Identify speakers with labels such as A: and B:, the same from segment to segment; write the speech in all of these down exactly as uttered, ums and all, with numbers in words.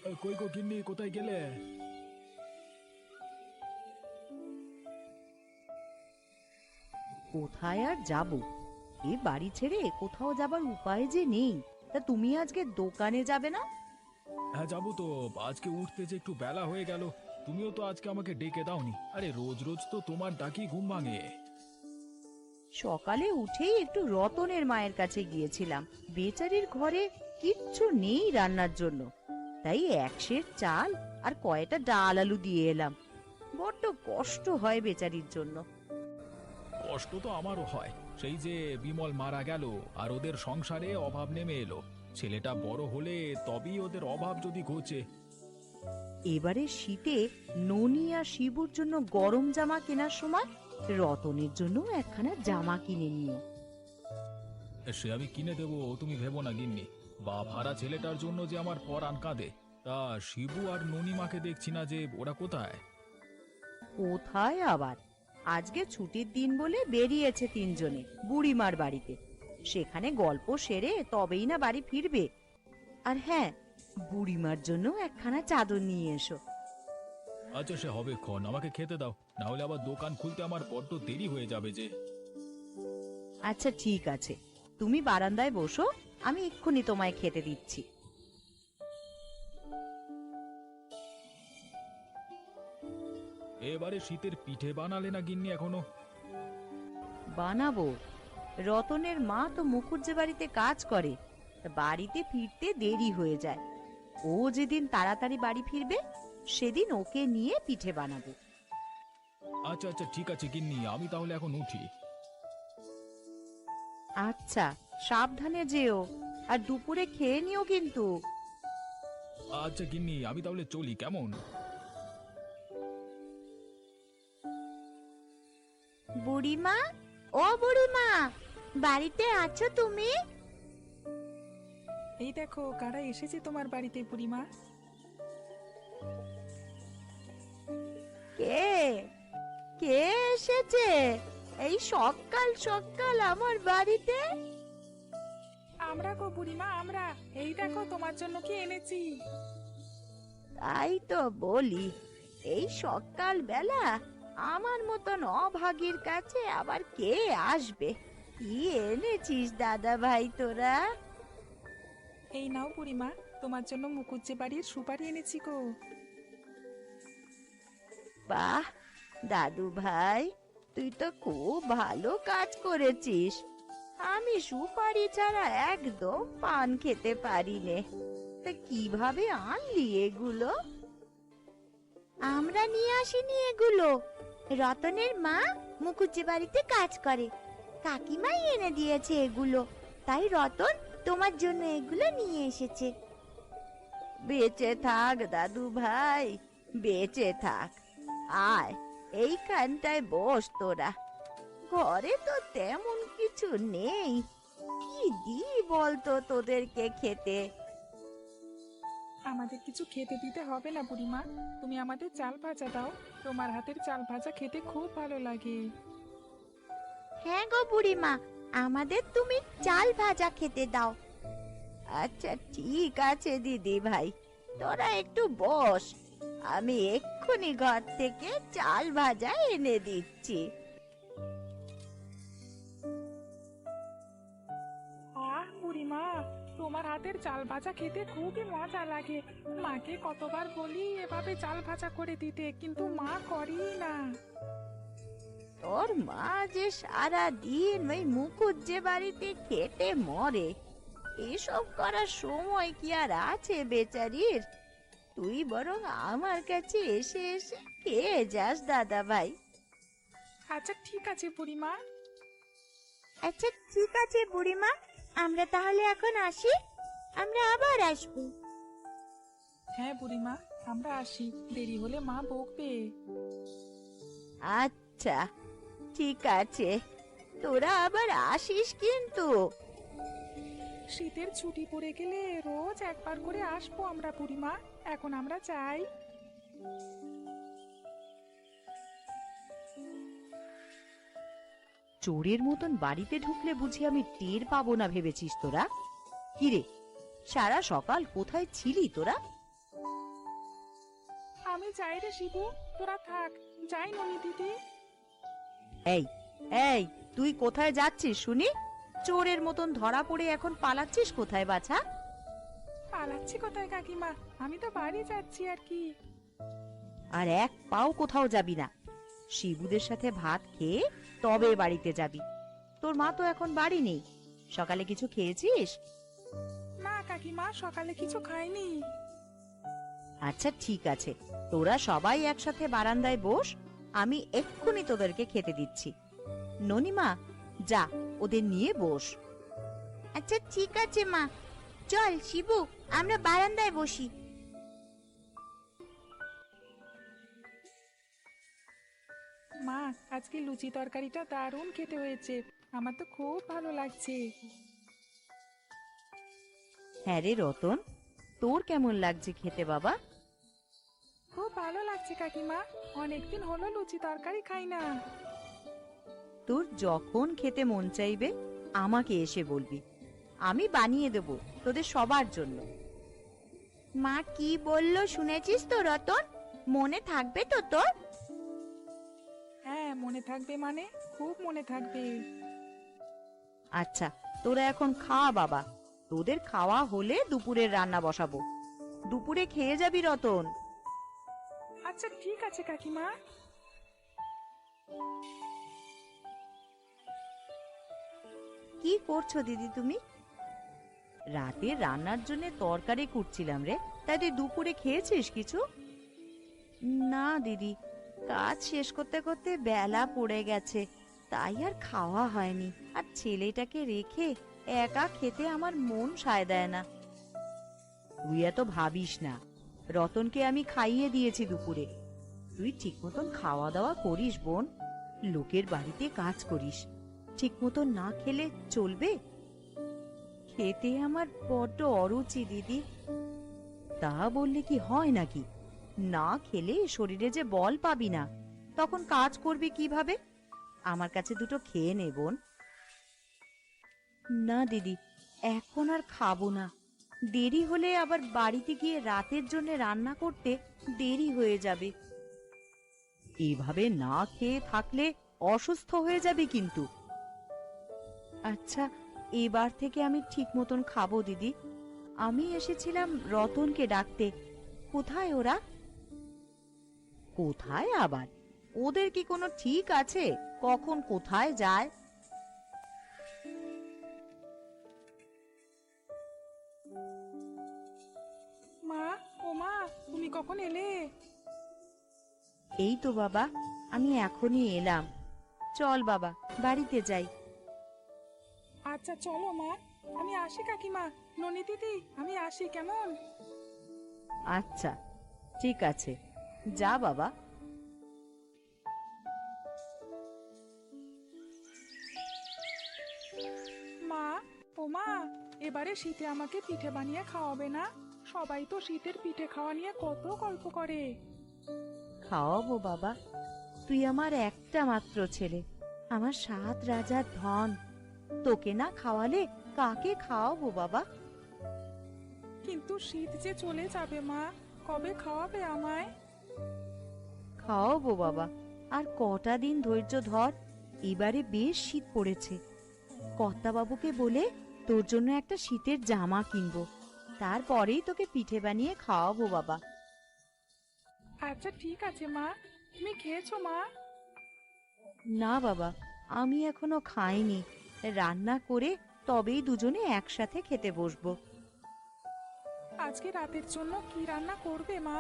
A: কই গো গিন্নি, কোথায় গেলে?
B: কোথায় আর যাব, এ বাড়ি ছেড়ে কোথাও যাবার উপায় যে নেই। তা তুমি আজকে দোকানে যাবে না?
A: হ্যাঁ যাবো তো। আজকে উঠতে যে একটু বেলা হয়ে গেল। তুমিও তো আজকে আমাকে ডেকে দাওনি। আরে রোজ রোজ তো তোমার ডাকি ঘুম ভাঙে।
B: সকালে উঠেই একটু রতনের মায়ের কাছে গিয়েছিলাম। বেচারির ঘরে কিচ্ছু নেই রান্নার জন্য, তাই এক সের চাল আর কয়টা ডাল আলু দিয়ে এলাম। বড্ড কষ্ট হয় বেচারির জন্য।
A: কষ্ট তো আমারও হয়। সেই যে বিমল মারা গেল আর ওদের সংসারে অভাব নেমে এলো। ছেলেটা বড় হলে তবেই ওদের অভাব যদি ঘোচে।
B: এবারে শীতে ননি আর শিবুর জন্য গরম জামা কেনার সময় রতনের জন্য একখানা জামা কিনে নিও।
A: সে আমি কিনে দেবো, তুমি ভেবো না গিন্নি। বাপ হারা ছেলেটার জন্য যে আমার পরাণ কাঁদে। তা শিবু আর ননিমাকে দেখছি না যে, ওরা কোথায়?
B: কোথায় আবার, আজকে ছুটির দিন বলে বেরিয়েছে তিনজনে বুড়িমার বাড়িতে। সেখানে গল্প সেরে তবেই না বাড়ি ফিরবে। আর হ্যাঁ, বুড়িমার জন্য একখানা চাদর নিয়ে এসো।
A: আচ্ছা সে হবে ক্ষণ, আমাকে খেতে দাও, না হলে আবার দোকান খুলতে আমার বড্ড দেরি হয়ে যাবে যে।
B: আচ্ছা ঠিক আছে, তুমি বারান্দায় বসো, আমি এক্ষুনি তোমায় খেতে দিচ্ছি।
A: এবারে শীতের পিঠে বানালে না গিন্নি এখনো?
B: বানাবো। রতনের মা তো মুখুজ্জে বাড়িতে কাজ করে, বাড়িতে ফিরতে দেরি হয়ে যায়। ও যেদিন তাড়াতাড়ি বাড়ি ফিরবে সেদিন ওকে নিয়ে পিঠে বানাবো।
A: আচ্ছা আচ্ছা ঠিক আছে গিন্নি, আমি তাহলে এখন উঠি।
B: আচ্ছা, সাবধানে যেও, আর দুপুরে খেয়ে নিও কিন্তু।
A: আচ্ছা গিন্নি, আমি তাহলে চলি, কেমন?
C: বুড়িমা, ও বুড়িমা, বাড়িতে আছো তুমি?
D: এই দেখো কারা এসেছে তোমার বাড়িতে বুড়িমা।
C: কে কে এসেছে এই সকাল সকাল আমার বাড়িতে?
D: আমরা গো বুড়িমা, আমরা। এই দেখো তোমার জন্য কি এনেছি।
C: তাই তো বলি, এই সকাল বেলা আমার মতন অভাগীর কাছে আবার কে আসবে? কি এনেছিস দাদা ভাই তোরা?
D: এই নাও বুড়িমা, তোমার জন্য মুকুজ্জে বাড়ির সুপারি এনেছি গো।
C: বাহ দাদু ভাই, তুই তো খুব ভালো কাজ করেছিস। আমি সুপারি ছাড়া একদম পান খেতে পারি নে। তা কিভাবে আনলি এগুলো? আমরা নিয়ে আসিনি এগুলো, রতনের মা মুখুজ্জে বাড়িতে কাজ করে, কাকিমাই এনে দিয়েছে এগুলো। তাই রতন তোমার জন্য এগুলো নিয়ে এসেছে। বেঁচে থাক দাদু ভাই, বেঁচে থাক। আয় এইখানটায় বস তোরা। ঘরে তো তেমন কিছু নেই, কি দি বলতো তোদেরকে খেতে?
D: আমাদের কিছু খেতে দিতে হবে না বুড়িমা, তুমি আমাদের চাল ভাজা দাও। তোমার হাতের চাল ভাজা খেতে খুব ভালো লাগে।
C: হ্যাঁ গো বুড়িমা, আমাদের তুমি চাল ভাজা খেতে দাও। আচ্ছা ঠিক আছে দিদি ভাই, তোরা একটু বস, আমি এক্ষুনি ঘর থেকে চাল ভাজা এনে দিচ্ছি।
D: আহ বুড়িমা, তোমার হাতের চাল ভাজা খেতে খুবই মজা লাগে। মাকে কতবার বলি এভাবে চাল ভাজা করে দিতে, কিন্তু মা করেই না।
C: তোর মা যে সারা দিন ওই মুখুজ্জে বাড়িতে খেটে মরে, এসব করার সময় কি আর আছে বেচারির? তুই বরং আমার কাছে এসে এসে খেয়ে যাস দাদা ভাই।
D: আচ্ছা ঠিক আছে বুড়িমা।
C: আচ্ছা ঠিক আছে বুড়িমা, আমরা তাহলে এখন আসি, আমরা আবার আসবো।
D: হ্যাঁ বুড়িমা, আমরা আসি, দেরি হলে মা বকবে।
C: আচ্ছা ঠিক আছে, তোরা আবার আসিস কিন্তু।
D: শীতের ছুটি পড়ে গেলে রোজ একবার করে আসবো আমরা বুড়িমা। এখন আমরা যাই।
B: চোরের মতন বাড়িতে ঢুকলে বুঝি আমি টের পাবো না ভেবেছিস তোরা? কিরে, সারা সকাল কোথায় ছিলি তোরা?
D: আমি যাই রে শিবু, তোরা থাক। যাই ননি দিদি।
B: এই এই তুই কোথায় যাচ্ছিস শুনি? চোরের মতন ধরা পড়ে এখন পালাচ্ছিস কোথায় বাছা?
D: পালাচ্ছি কোথায় কাকিমা, আমি তো বাড়ি যাচ্ছি আর কি।
B: আর এক পাও কোথাও যাবি না। শিবুদের সাথে ভাত খেয়ে তবে বাড়িতে যাবি। তোর মা তো এখন বাড়ি নেই। সকালে কিছু খেয়েছিস?
D: না কাকিমা, সকালে কিছু খাইনি।
B: আচ্ছা ঠিক আছে, তোরা সবাই একসাথে বারান্দায় বস, আমি এক্ষুনি তোদেরকে খেতে দিচ্ছি। ননিমা, যা ওদের নিয়ে বস।
C: আচ্ছা ঠিক আছে মা, চল শিবু আমরা বারান্দায় বসি।
D: মা, আজকে লুচি তরকারিটা দারুণ খেতে হয়েছে, আমার তো খুব ভালো লাগছে।
B: হ্যাঁ রে রতন, তোর কেমন লাগছে খেতে বাবা?
D: খুব ভালো লাগছে কাকিমা, অনেকদিন হলো লুচি তরকারি খাই না।
B: তোর যখন খেতে মন চাইবে আমাকে এসে বলবি, আমি বানিয়ে দেব তোদের সবার জন্য।
C: মা কি বললো শুনেছিস তো রতন? মনে থাকবে তো তোর?
D: হ্যাঁ মনে থাকবে, মানে খুব মনে থাকবে।
B: আচ্ছা তোরা এখন খা বাবা, তোদের খাওয়া হলে দুপুরের রান্না বসাবো। দুপুরে খেয়ে যাবি রতন।
D: আচ্ছা ঠিক আছে কাকিমা।
B: কি করছো দিদি তুমি? রাতে রান্নার জন্য তরকারি কুটছিলাম রে। তাই তুই দুপুরে খেয়েছিস কিছু? না দিদি, কাজ শেষ করতে করতে বেলা পড়ে গেছে, তাই আর খাওয়া হয়নি। আর ছেলেটাকে রেখে একা খেতে আমার মন সায় দেয় না। তুই এত ভাবিস না, রতনকে আমি খাইয়ে দিয়েছি দুপুরে। তুই ঠিক মতন খাওয়া দাওয়া করিস বোন, লোকের বাড়িতে কাজ করিস, ঠিক মতন না খেলে চলবে? খেতে আমার বড্ড অরুচি দিদি। তা বললে কি হয় নাকি? না খেলে শরীরে যে বল পাবি না, তখন কাজ করবি কিভাবে? আমার কাছে দুটো খেয়ে নে বোন। না দিদি, এখন আর খাবো না। দেরি হলে আবার বাড়িতে গিয়ে রাতের জন্য রান্না করতে দেরি হয়ে যাবে। এভাবে না খেয়ে থাকলে অসুস্থ হয়ে যাবে কিন্তু। আচ্ছা, এবার থেকে আমি ঠিক মতন খাবো দিদি। আমি এসেছিলাম রতনকে ডাকতে। কোথায় ওরা? কোথায় আবার? ওদের কি কোনো ঠিক আছে কখন কোথায় যায়?
D: মা, ও মা, তুমি কখন এলে?
B: এই তো বাবা, আমি এখনই এলাম। চল বাবা, বাড়িতে যাই।
D: আচ্ছা চলো মা, আমি আসি কাকিমা। ননি দিদি, আমি আসি কেমন?
B: আচ্ছা ঠিক আছে, যা বাবা।
D: মা, ও মা, এবারে শীতে আমাকে পিঠে বানিয়ে খাওয়াবে না? সবাই তো শীতের পিঠে খাওয়া নিয়ে কত গল্প করে।
B: খাওয়াবো বাবা, তুই আমার একটা মাত্র ছেলে, আমার সাত রাজার ধন। তোকে না খাওয়ালে কাকে খাওয়াবো বাবা?
D: কিন্তু শীত যে চলে যাবে মা, কবে খাওয়াবে আমায়?
B: খাওয়াবো বাবা, আর কটা দিন ধৈর্য ধর। এবারে বেশ শীত পড়েছে, কর্তাবাবুকে বলে তোর জন্য একটা শীতের জামা কিনবো, তারপরেই তোকে পিঠে বানিয়ে খাওয়াবো বাবা।
D: আচ্ছা ঠিক আছে মা, তুমি খেয়েছো মা?
B: না বাবা, আমি এখনো খাইনি। রান্না করে তবেই দুজনে একসাথে খেতে বসবো।
D: আজকে রাতের জন্য কি রান্না করবে মা?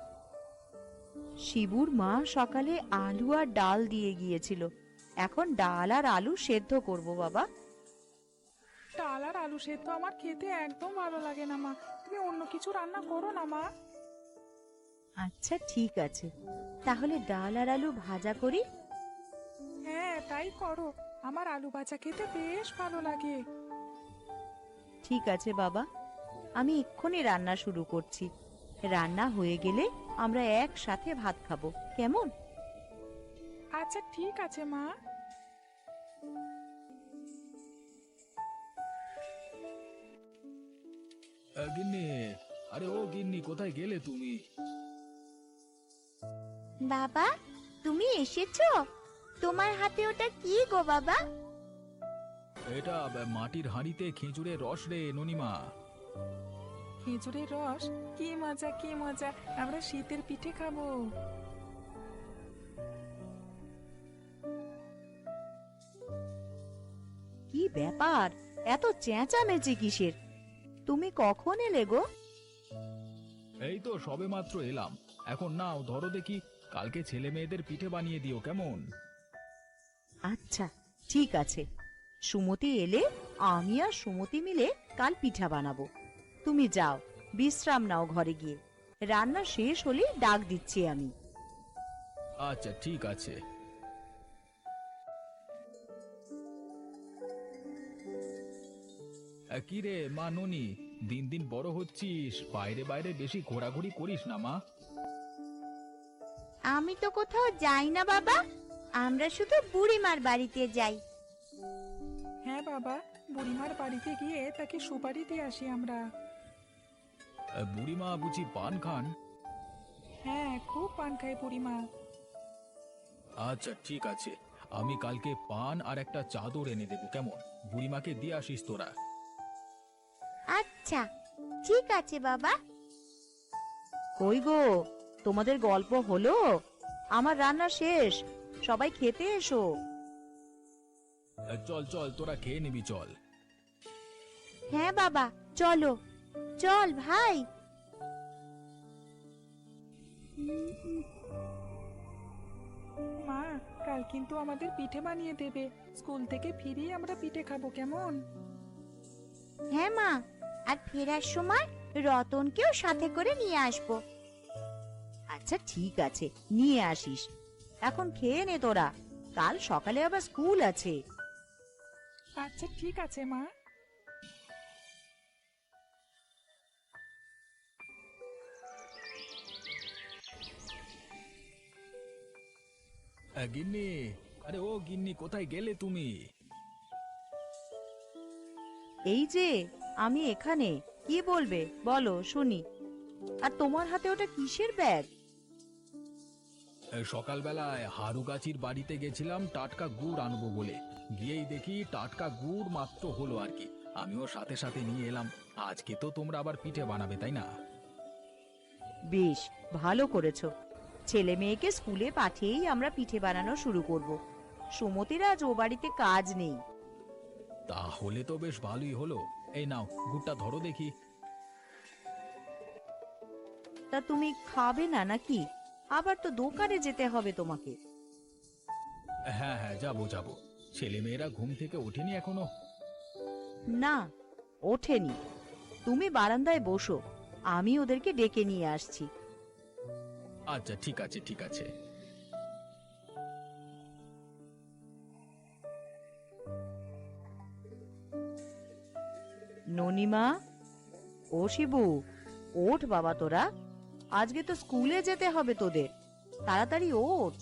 B: শিবুর মা সকালে আলু আর ডাল দিয়ে গিয়েছিল, এখন ডাল আর আলু সেদ্ধ করব বাবা।
D: ডাল আর আলু সেদ্ধ আমার খেতে একদম ভালো লাগে না মা, তুমি অন্য কিছু রান্না করো না মা।
B: আচ্ছা ঠিক আছে, তাহলে ডাল আর আলু ভাজা করি।
D: হ্যাঁ তাই করো, আমার আলু ভাজা খেতে বেশ ভালো লাগে।
B: ঠিক আছে বাবা, আমি এক্ষুনি রান্না শুরু করছি। রান্না হয়ে গেলে আমরা একসাথে ভাত খাবো, কেমন?
D: আচ্ছা ঠিক আছে মা।
A: আহ, গিন্নি, আরে ও গিন্নি, কোথায় গেলে তুমি?
C: বাবা, তুমি এসেছো? তোমার হাতে ওটা কি গো বাবা?
A: এটা আহ, মাটির হাঁড়িতে খেজুরের রস রে ননিমা।
D: খেজুরের রস? কি মজা কি মজা, আমরা শীতের পিঠে খাবো।
B: কি ব্যাপার, এত চেঁচামেচি কিসের? তুমি কখন এলে গো?
A: এই তো সবে মাত্র এলাম। এখন নাও ধরো দেখি, কালকে ছেলে মেয়েদের পিঠে বানিয়ে দিও কেমন?
B: আচ্ছা, ঠিক আছে। সুমতি এলে আমি আর সুমতি মিলে কাল পিঠা বানাবো। তুমি যাও, বিশ্রাম নাও ঘরে গিয়ে। রান্না শেষ হলে ডাক দিচ্ছি আমি।
A: আচ্ছা ঠিক আছে। আহ, কি রে মা ননি, দিন দিন বড় হচ্ছিস, বাইরে বাইরে বেশি ঘোরাঘুরি করিস না মা।
C: আমি তো কোথাও যাই না বাবা, আমরা শুধু বুড়িমার বাড়িতে যাই।
D: হ্যাঁ বাবা, বুড়িমার বাড়িতে গিয়ে তাকে সুপারি দিয়ে আসি আমরা।
A: আহ, বুড়িমা বুঝি পান খান?
D: হ্যাঁ, খুব পান খায় বুড়িমা।
A: আচ্ছা ঠিক আছে, আমি কালকে পান আর একটা চাদর এনে দেবো কেমন? বুড়িমাকে দিয়ে আসিস তোরা।
C: আচ্ছা, ঠিক আছে বাবা।
B: কই গো, তোমাদের গল্প হলো? আমার রান্না শেষ, সবাই খেতে এসো।
A: আহ, চল চল তোরা খেয়ে নিবি চল।
C: হ্যাঁ বাবা, চলো চল ভাই।
D: মা, কাল কিন্তু আমাদের পিঠে বানিয়ে দেবে। স্কুল থেকে ফিরিয়ে আমরা পিঠে খাবো কেমন?
C: হ্যাঁ মা, আর ফেরার সময় রতনকেও সাথে করে নিয়ে আসবো।
B: আচ্ছা ঠিক আছে, নিয়ে আসিস। এখন খেয়ে নে তোরা, কাল সকালে আবার স্কুল আছে।
D: আচ্ছা ঠিক আছে মা।
A: আহ, গিন্নি, আরে ও গিন্নি, কোথায় গেলে তুমি?
B: এই যে আমি এখানে, কি বলবে বলো শুনি। আর তোমার হাতে ওটা কিসের ব্যাগ?
A: আহ, সকালবেলায় হারুগাছির বাড়িতে গেছিলাম টাটকা গুড় আনবো বলে, গিয়েই দেখি টাটকা গুড় মাত্র হলো আর কি। আমিও সাথে সাথে নিয়ে এলাম। আজকে তো তোমরা আবার পিঠে বানাবে তাই না?
B: বেশ ভালো করেছো। ছেলে মেয়েকে স্কুলে পাঠিয়েই আমরা পিঠে বানানো শুরু করব। সুমতির আজ ও বাড়িতে কাজ নেই।
A: তাহলে তো বেশ ভালোই হলো। এই নাও গুড়টা ধরো দেখি।
B: তা তুমি খাবে না নাকি? আবার তো দোকানে যেতে হবে তোমাকে।
A: হ্যাঁ হ্যাঁ, যাবো যাবো। ছেলে মেয়েরা ঘুম থেকে ওঠেনি এখনো?
B: না, ওঠেনি। তুমি বারান্দায় বসো, আমি ওদেরকে ডেকে নিয়ে আসছি।
A: আচ্ছা ঠিক আছে ঠিক আছে।
B: ননিমা, ও শিবু, ওঠ বাবা তোরা, আজকে তো স্কুলে যেতে হবে তোদের। তাড়াতাড়ি ওঠ।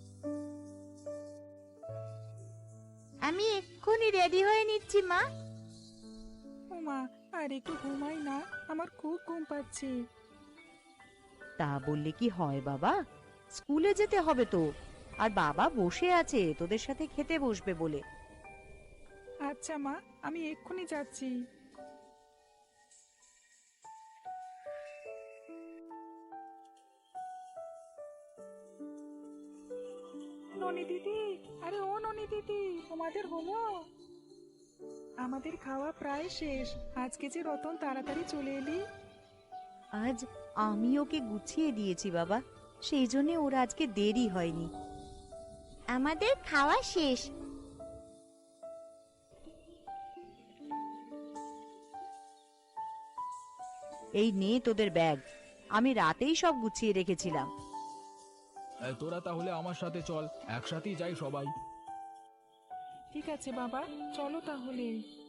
C: আমি এক্ষুনি রেডি হয়ে নিচ্ছি মা।
D: ও মা, আর একটু ঘুমাই না, আমার খুব ঘুম পাচ্ছে।
B: তা বললে কি হয় বাবা, স্কুলে যেতে হবে তো। আর বাবা বসে আছে তোদের সাথে খেতে বসবে বলে।
D: আচ্ছা মা, আমি এক্ষুনি যাচ্ছি। ননি দিদি, আরে ও ননি দিদি, তোমাদের হলো? আমাদের খাওয়া প্রায় শেষ। আজকে যে রতন তাড়াতাড়ি চলে এলি।
B: আজ আমি ওকে গুছিয়ে দিয়েছি বাবা, সেই জন্য ওর আজকে দেরি হয়নি।
C: আমাদের খাওয়া শেষ।
B: এই নে তোদের ব্যাগ, আমি রাতেই সব গুছিয়ে রেখেছিলাম।
A: আহ, তোরা তাহলে আমার সাথে চল, একসাথেই যাই সবাই।
D: ঠিক আছে বাবা, চলো তাহলে।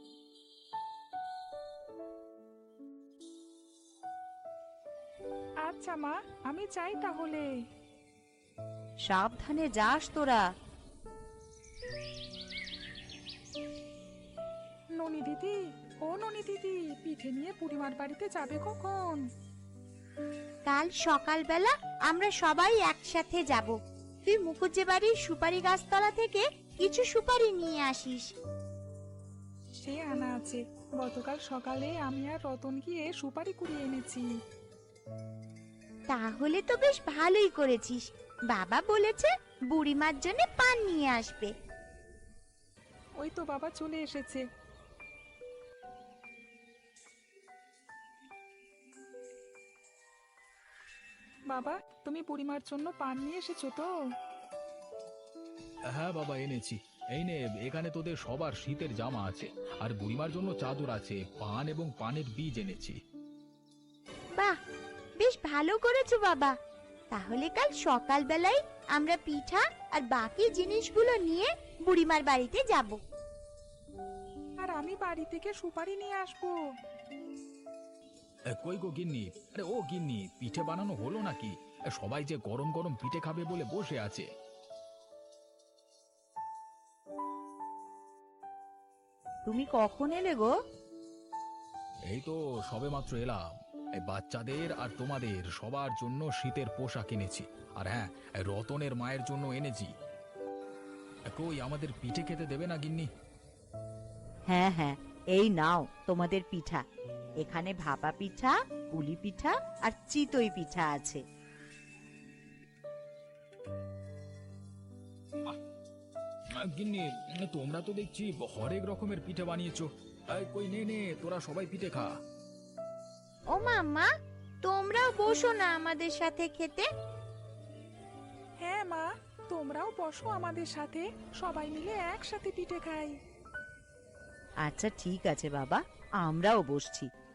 D: আচ্ছা মা, আমি যাই তাহলে।
B: সাবধানে যাস তোরা।
D: ননি দিদি, ও ননি দিদি, পিঠে নিয়ে বুড়িমার বাড়িতে যাবে কখন?
C: কাল সকালবেলা আমরা সবাই একসাথে যাব। তুই মুখুজ্জে বাড়ির সুপারি গাছতলা থেকে কিছু সুপারি নিয়ে আসিস।
D: সে আনা আছে, গতকাল সকালে আমি আর রতন গিয়ে সুপারি কুড়িয়ে এনেছি।
C: তাহলে তো বেশ ভালোই করেছিস। বাবা বলেছে বুড়িমার জন্য পান নিয়ে আসবে।
D: ওই তো বাবা চলে এসেছে। বাবা, তুমি বুড়িমার জন্য পান নিয়ে এসেছো তো?
A: হ্যাঁ বাবা, এনেছি। এই নে, এখানে তোদের সবার শীতের জামা আছে, আর বুড়িমার জন্য চাদর আছে, পান এবং পানের বীজ এনেছি।
C: বাহ, বেশ ভালো করেছো বাবা। তাহলে কাল সকালবেলায় আমরা পিঠা আর বাকি জিনিসগুলো নিয়ে বুড়িমার বাড়িতে যাব।
D: আর আমি বাড়ি থেকে সুপারি নিয়ে আসবো।
A: এ, কই গো গিন্নি? আরে ও গিন্নি, পিঠে বানানো হলো নাকি? এ, সবাই যে গরম গরম পিঠে খাবে বলে বসে আছে।
B: তুমি কখন এলে গো?
A: এই তো সবেমাত্র এলাম। এই বাচ্চাদের আর তোমাদের সবার জন্য শীতের পোশাক এনেছি, আর হ্যাঁ, এই রতনের মায়ের জন্য এনেছি। এ, কই আমাদের পিঠে খেতে দেবে না গিন্নি?
B: হ্যাঁ হ্যাঁ, এই নাও তোমাদের পিঠা। এখানে ভাপা পিঠা, পুলি পিঠা আর চিতই পিঠা আছে।
A: আহ, গিন্নি, তোমরা তো দেখছি হরেক রকমের পিঠে বানিয়েছো। এই, কই নে নে, তোরা সবাই পিঠে খা।
C: ও মাম্মা, তোমরাও বসো না আমাদের সাথে খেতে।
D: হ্যাঁ মা, তোমরাও বসো আমাদের সাথে, সবাই মিলে একসাথে পিঠে খাই।
B: আচ্ছা ঠিক আছে বাবা, আমরাও বসছি।